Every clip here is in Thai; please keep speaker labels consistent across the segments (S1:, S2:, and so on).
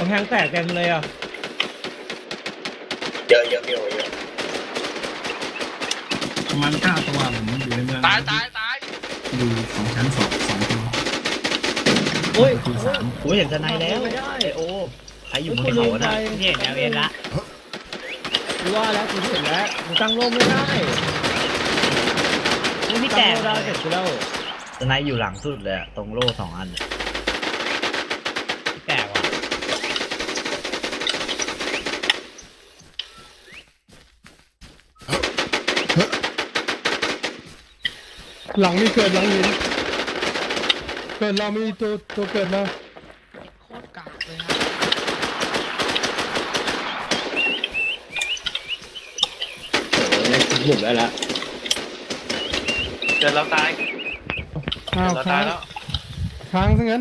S1: ำแพงแตกเต็มเลยอ่ะ
S2: เยอะ
S3: ประมาณ9 ตัวผมอยู่ในเมือง
S4: ตาย
S3: ดู2 ชั้น 2 ตัว
S1: โอ้ย
S3: ประตู 3
S2: กูเห็นสไนแล้วไอโอใครอยู่บนเขาน่ะ
S1: เห็นแล้วเห็นละกูว่าแล้วกูเห็นแล้วกูตั้งร่มไม่ได้กูไม่แตกได้เสร็จกูแล้ว
S2: สไนอยู่หลังสุดเลยตรงโล่2 อัน
S1: แตกว่ะ
S5: หลังมีเกิดหลังหินเกิดเรามีตัวเกิดมา
S4: โคตรกากเลยฮะ
S1: หลุดได้แล้ว
S4: เกิดเราตาย
S5: อ้าว
S4: เรา
S5: ค้า
S4: ตาง ยแล้ว
S5: ค้างซะงั้น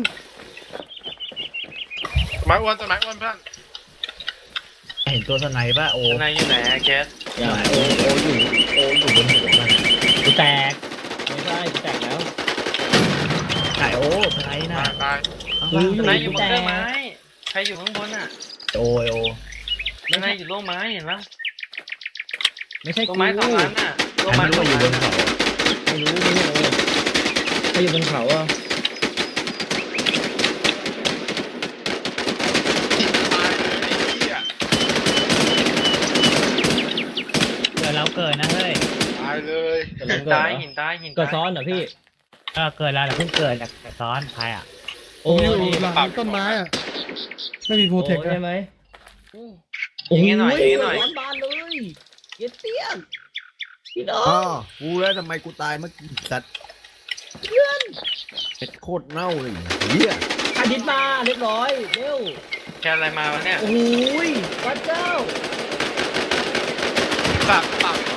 S4: ไม้อ้วนต้นไม้อ้วนเพื่อน
S2: เห็นตัวสไนป่ะโอ
S4: ข้างในอยู่ไหนแคส
S2: อย่าโออยู่บนหัวมัน
S1: กูแตกไม่ใช่กูแตกแล้ว
S2: ไอโอสไนน่ะ
S4: ตาย
S1: อยู่
S4: ข้างในอยู่บนเครื่องไม้ใครอยู่ข้างบนอ่ะ
S2: โอ
S4: ข้างในอยู่โล่ไม้เห็นปะ
S1: ไม่ใช่
S4: โล่
S1: กู
S4: ไม้2 อันน่ะโล่
S2: ไอ้
S4: ไม้
S2: ไม่รู้
S4: 2
S2: อยู่บ
S4: อั
S2: น
S4: น
S2: เขา
S1: ไม่รู้ใครอยู่บนเขาอ่ะ
S4: ตายเลยไอ้เหี้ย
S1: เกิดแล้วเกิดนะเฮ้ย
S4: ตายเลย
S1: หินตายหินเกิดซ้อนเหรอพี่เกิดแล้วแต่เพิ่งเกิดแต่ซ้อนใครอ่ะ
S5: ผมอยู่หลังต้นไม้อะไม่มีโปรเทค
S1: ใช่ไหม
S4: ยิงให้หน่อยยิงให้หน่อย
S1: ร้อนบานเลยเย็ดเตี้ยนพี่น้อ
S6: อ๋อง กูแล้วทำไมกูตายเมื่อกี้สัตว์เป็ดโคตรเน่าเลยเฮีย
S1: อาทิตย์มาเรียบร้อยเร็ว
S4: แคสอะไรมาวะเนี่ย
S1: โอ้ยพระเจ้า
S4: ปาก